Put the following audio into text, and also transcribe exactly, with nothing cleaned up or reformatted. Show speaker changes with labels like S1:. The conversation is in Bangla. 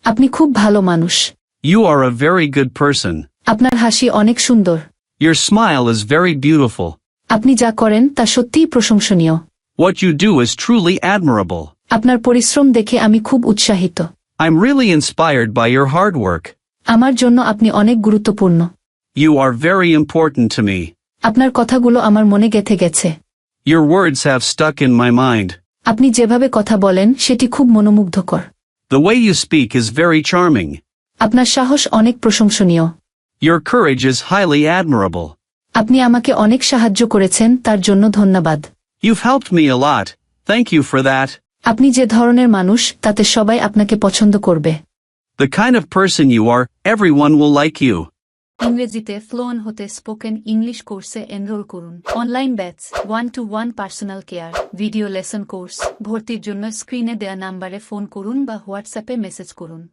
S1: আপনি খুব ভালো মানুষ।
S2: You are a very good person.
S1: আপনার হাসি অনেক সুন্দর।
S2: Your smile is very beautiful.
S1: আপনি যা করেন তা সত্যিই প্রশংসনীয়।
S2: What you do is truly admirable.
S1: আপনার পরিশ্রম দেখে আমি খুব উৎসাহিত।
S2: I'm really inspired by your hard work.
S1: আমার জন্য আপনি অনেক গুরুত্বপূর্ণ।
S2: You are very important to me.
S1: আপনার কথাগুলো আমার মনে গেঁথে গেছে।
S2: Your words have stuck in my mind.
S1: আপনি যেভাবে কথা বলেন সেটি খুব মনোমুগ্ধকর।
S2: The way you speak is very charming.
S1: আপনার সাহস অনেক প্রশংসনীয়।
S2: Your courage is highly admirable.
S1: আপনি আমাকে অনেক সাহায্য করেছেন তার জন্য ধন্যবাদ।
S2: You've helped me a lot. Thank you for that.
S1: আপনি যে ধরনের মানুষ তাতে সবাই আপনাকে পছন্দ করবে।
S2: The kind of person you are, everyone will like you.
S1: ইংরেজিতে ফ্লুয়েন্ট হতে স্পোকেন ইংলিশ কোর্সে এনরোল করুন। Online batch, one to one personal care, video lesson course. ভর্তির জন্য স্ক্রিনে দেয়া নাম্বারে ফোন করুন বা হোয়াটসঅ্যাপে মেসেজ করুন।